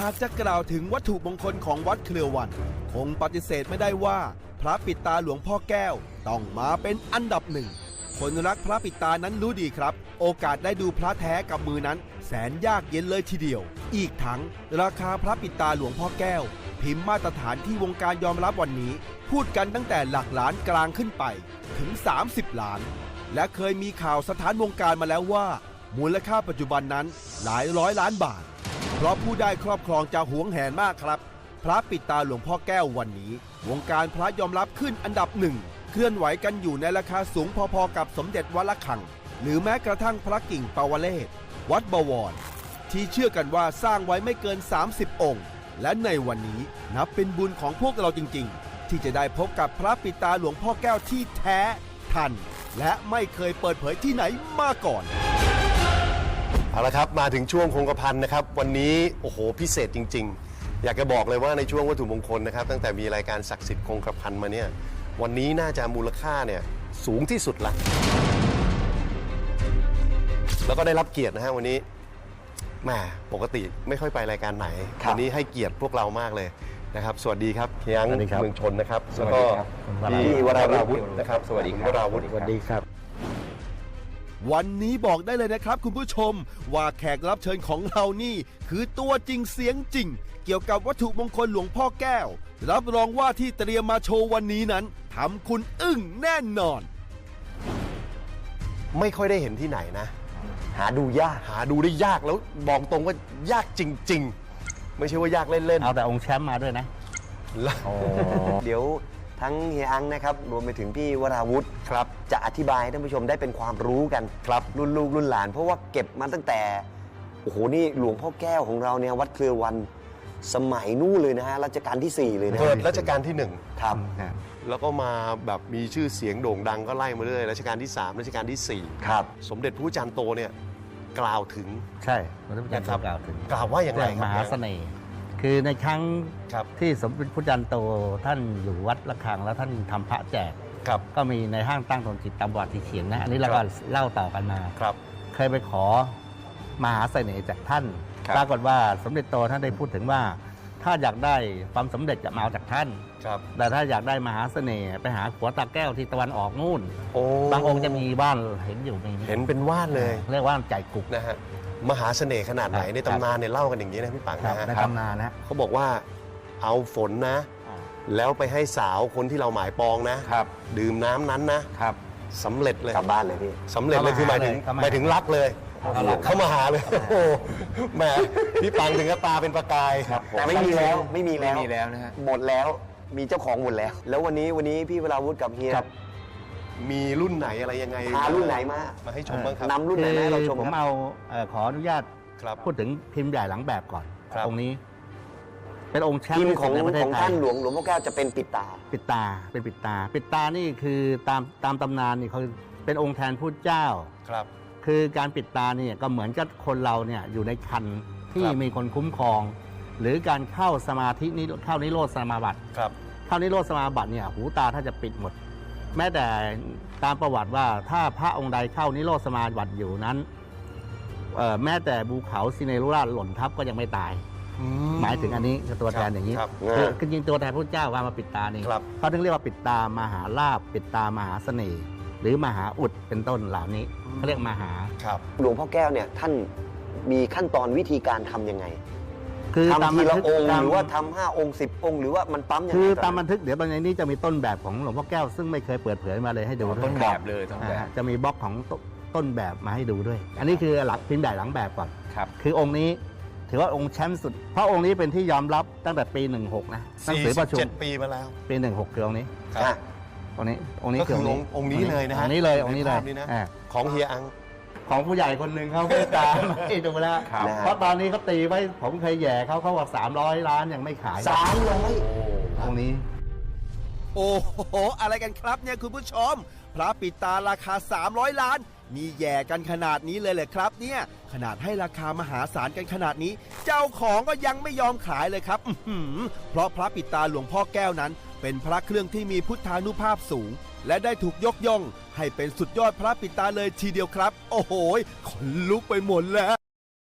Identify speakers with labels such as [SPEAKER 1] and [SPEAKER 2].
[SPEAKER 1] ากจะกล่าวถึงวัตถุมงคลของวัดเครือวันคงปฏิเสธไม่ได้ว่าพระปิดตาหลวงพ่อแก้วต้องมาเป็นอันดับหนึ่งคนรักพระปิดตานั้นรู้ดีครับโอกาสได้ดูพระแท้กับมือนั้นแสนยากเย็นเลยทีเดียวอีกทั้งราคาพระปิดตาหลวงพ่อแก้วพิมพ์มาตรฐานที่วงการยอมรับวันนี้พูดกันตั้งแต่หลักล้านกลางขึ้นไปถึง30 ล้านและเคยมีข่าวสถานวงการมาแล้วว่ามูลค่าปัจจุบันนั้นหลายร้อยล้านบาทเพราะผู้ได้ครอบครองจะหวงแหนมากครับพระปิดตาหลวงพ่อแก้ววันนี้วงการพระยอมรับขึ้นอันดับหนึ่งเคลื่อนไหวกันอยู่ในราคาสูงพอๆกับสมเด็จวัดละคังหรือแม้กระทั่งพระกิ่งปาวเลศวัดบวรที่เชื่อกันว่าสร้างไว้ไม่เกิน30 องค์และในวันนี้นับเป็นบุญของพวกเราจริงๆที่จะได้พบกับพระปิดตาหลวงพ่อแก้วที่แท้ทันและไม่เคยเปิดเผยที่ไหนมาก่อน
[SPEAKER 2] เอาละครับมาถึงช่วงคงกระพันนะครับวันนี้โอ้โหพิเศษจริงๆอยากจะบอกเลยว่าในช่วงวัตถุมงคลนะครับตั้งแต่มีรายการศักดิ์สิทธิ์คงกระพันมาเนี่ยวันนี้น่าจะมูลค่าเนี่ยสูงที่สุดละแล้วก็ได้รับเกียรตินะฮะวันนี้แหมปกติไม่ค่อยไปรายการไหนวันนี้ให้เกียรติพวกเรามากเลยนะครับสวัสดีครับเฮียงเมืองชนนะครับแล้วก็พี่วราวุธนะครับสวัสดีครับวราวุธสวัสดีครับ
[SPEAKER 1] วันนี้บอกได้เลยนะครับคุณผู้ชมว่าแขกรับเชิญของเรานี่คือตัวจริงเสียงจริงเกี่ยวกับวัตถุมงคลหลวงพ่อแก้วรับรองว่าที่เตรียมมาโชว์วันนี้นั้นทำคุณอึ้งแน่นอน
[SPEAKER 2] ไม่ค่อยได้เห็นที่ไหนนะหาดูได้ยากแล้วบอกตรงว่ายากจริงๆไม่ใช่ว่ายากเล่นๆ
[SPEAKER 3] เอาแต่องค์แชมป์มาด้วยนะ
[SPEAKER 4] เดี๋ยวทั้งเฮียอังนะครับรวมไปถึงพี่วราวุธครับจะอธิบายให้ท่านผู้ชมได้เป็นความรู้กันครับรุ่นลูกรุ่นหลานเพราะว่าเก็บมาตั้งแต่โอ้โหนี่หลวงพ่อแก้วของเราเนี่ยวัดเครือวันสมัยนู่นเลยนะฮะรัชกาลที่4เลยนะ
[SPEAKER 2] เกิดรัชกาลที่1
[SPEAKER 4] ครับ
[SPEAKER 2] แล้วก็มาแบบมีชื่อเสียงโด่งดังก็ไล่มาเรื่อยรัชกาลที่3รัชกาลที่4
[SPEAKER 4] ครับ
[SPEAKER 2] สมเด็จพระจันทร์โตเนี่ยกล่าวถึง
[SPEAKER 3] ใช่สมเด็จพระจันทร์โตกล่าวถึง
[SPEAKER 2] กล่าวว่าอย่างไร
[SPEAKER 3] มหาเสน่ห์คือในครั้งที่สมเด็จพระจันทร์โตท่านอยู่วัดระฆังแล้วท่านทำพระแจกก็มีในห้างตั้งตนจิตตามวัดที่เขียนนะอันนี้เราก็เล่าต่อกันมาเคยไปขอมหาเสน่ห์จากท่านปรากฏว่าสมเด็จโตท่านได้พูดถึงว่าถ้าอยากได้ความสำเร็จจะมาจากท่านแต่ถ้าอยากได้มหาเสน่ห์ไปหาขัวตาแก้วที่ตะวันออกนู่นบางองค์จะมีบ้านเห็นอยู่
[SPEAKER 2] เห็นเป็นว่านเลย
[SPEAKER 3] เรียกว่าใจกุก
[SPEAKER 2] นะฮะมหาเสน่ห์ขนาดไหนในตำนานเนี่ยเล่ากันอย่างนี้นะพี่ปังนะฮะ
[SPEAKER 3] ในตำนานนะ
[SPEAKER 2] เขาบอกว่าเอาฝนนะแล้วไปให้สาวคนที่เราหมายปองนะดื่มน้ำนั้นนะสำเร็จเลย
[SPEAKER 4] กลับบ้านเลยพี่
[SPEAKER 2] สำเร็จเลยคือหมายถึงรักเลยเข้ามาหาเลยโอ้แหมพี่ปังถึงกับตาเป็นประกาย
[SPEAKER 4] แต่ไม่มีแล้วนะฮะหมดแล้วมีเจ้าของหมดแล้วแล้ววันนี้พี่วราวุธกับเฮีย
[SPEAKER 2] มีรุ่นไหนอะไรยังไง
[SPEAKER 4] พารุ่นไหน
[SPEAKER 2] มาให้ชมบ้างครับ
[SPEAKER 4] นำรุ่นไหนมาให้เราชม
[SPEAKER 3] ผมเอาขออนุญาตพูดถึงพิมพ์ใหญ่หลังแบบก่อนองค์นี้เป็นองค์แชมป์
[SPEAKER 4] ของท่านหลวงพ่อแก้วจะเป็นปิดตา
[SPEAKER 3] เป็นปิดตานี่คือตามตำนานนี่เขาเป็นองค์แทนพุทธเจ้าคือการปิดตาเนี่ยก็เหมือนกับคนเราเนี่ยอยู่ในคันที่มีคนคุ้มครองหรือการเข้าสมาธินี้เข้านิโรธสมาบัติเข้านิโรธสมาบัติเนี่ยหูตาถ้าจะปิดหมดแม้แต่ตามประวัติว่าถ้าพระองค์ใดเข้านิโรธสมาบัติอยู่นั้นแม้แต่ภูเขาซิเนรุราชหล่นทับก็ยังไม่ตายหมายถึงอันนี้คือตัวแทนอย่างนี้คือจริงตัวแทนพระเจ้าว่ามาปิดตานี่เขาถึงเรียกว่าปิดตามหาลาภปิดตามหาเสน่ห์หรือมหาอุดเป็นต้นเหล่านี้เขาเรียกมหา
[SPEAKER 4] หลวงพ่อแก้วเนี่ยท่านมีขั้นตอนวิธีการทำยังไง
[SPEAKER 3] คือ
[SPEAKER 4] ทำทีละองค์หรือว่าทำ5 องค์ 10 องค์หรือว่ามันปั๊มยังไง
[SPEAKER 3] คือตามบันทึกเดี๋ยวตอนนี้จะมีต้นแบบของหลวงพ่อแก้วซึ่งไม่เคยเปิดเผยมาเลยให้ดู
[SPEAKER 5] ต้นแบบเลย
[SPEAKER 3] จะมีบล็อกของต้นแบบมาให้ดูด้วยอันนี้คือหลักพิมพ์ใหญ่หลังแบบก่อนคือองค์นี้ถือว่าองค์แชมป์สุดเพราะองค์นี้เป็นที่ยอมรับตั้งแต่ปี16นะหนังสือประชุม
[SPEAKER 2] 7 ปีมาแล้ว
[SPEAKER 3] ปี16คือองค์นี้องค์นี้
[SPEAKER 2] ก็คือองค์นี้เลยนะฮะ
[SPEAKER 3] องค์นี้เลย
[SPEAKER 2] ของเฮียอัง
[SPEAKER 3] ของผู้ใหญ่คนหนึ่งเขาเมตตาให้ดูแล้วเพราะตอนนี้เขาตีไว้ผมเคยแย่เขาบอก300 ล้านยังไม่ขาย
[SPEAKER 4] 300
[SPEAKER 3] ตรงนี้
[SPEAKER 1] โอ้โหอะไรกันครับเนี่ยคุณผู้ชมพระปิดตาราคา300 ล้านมีแย่กันขนาดนี้เลยเหรอครับเนี่ยขนาดให้ราคามหาศาลกันขนาดนี้เจ้าของก็ยังไม่ยอมขายเลยครับเพราะพระปิดตาหลวงพ่อแก้วนั้นเป็นพระเครื่องที่มีพุทธานุภาพสูงและได้ถูกยกย่องให้เป็นสุดยอดพระปิดตาเลยทีเดียวครับโอ้โหขนลุกไปหมดแล้ว